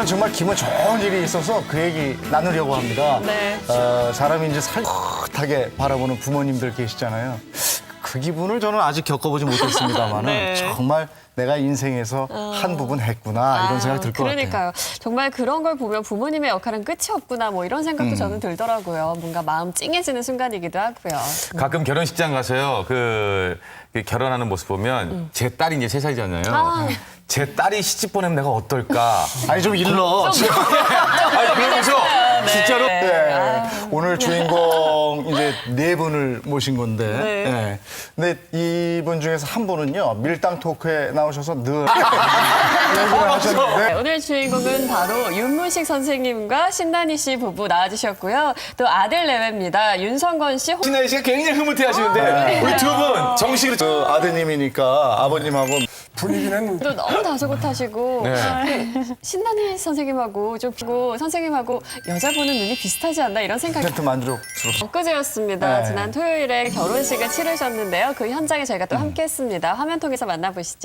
오늘은 정말 기분 좋은 일이 있어서 그 얘기 나누려고 합니다. 네. 사람이 이제 살긋하게 바라보는 부모님들 계시잖아요. 그 기분을 저는 아직 겪어보지 못했습니다만 네. 정말 내가 인생에서 한 부분 했구나 이런 생각이 들 것 같아요. 그러니까요. 정말 그런 걸 보면 부모님의 역할은 끝이 없구나 뭐 이런 생각도 저는 들더라고요. 뭔가 마음 찡해지는 순간이기도 하고요. 가끔 결혼식장 가서요. 그 결혼하는 모습 보면 제 딸이 이제 3살이잖아요. 제 딸이 시집 보내면 내가 어떨까? 아니 좀 일러. 아니 그러면서 진짜로 네. 오늘 주인공 이제 네 분을 모신 건데. 네. 근데 이분 중에서 한 분은요 밀당 토크에 나오셔서 늘 얘기를 하셨는데. 네, 오늘 주인공은 바로 윤문식 선생님과 신난희 씨 부부 나와주셨고요. 또 아들 내외입니다. 윤성건 씨, 신하희 씨가 굉장히 흐뭇해하시는데 우리 두 분 정식으로 그 아드님이니까 아버님하고 분위기는 또 너무 다소곳하시고 네. 그 신난희 선생님하고 좀 선생님하고 여자 보는 눈이 비슷하지 않나 이런 생각이 100% 만족스럽습니다. 엊그제였습니다. 네. 지난 토요일에 결혼식을 치르셨는데요. 그 현장에 저희가 또 함께했습니다. 화면 통해서 만나보시죠.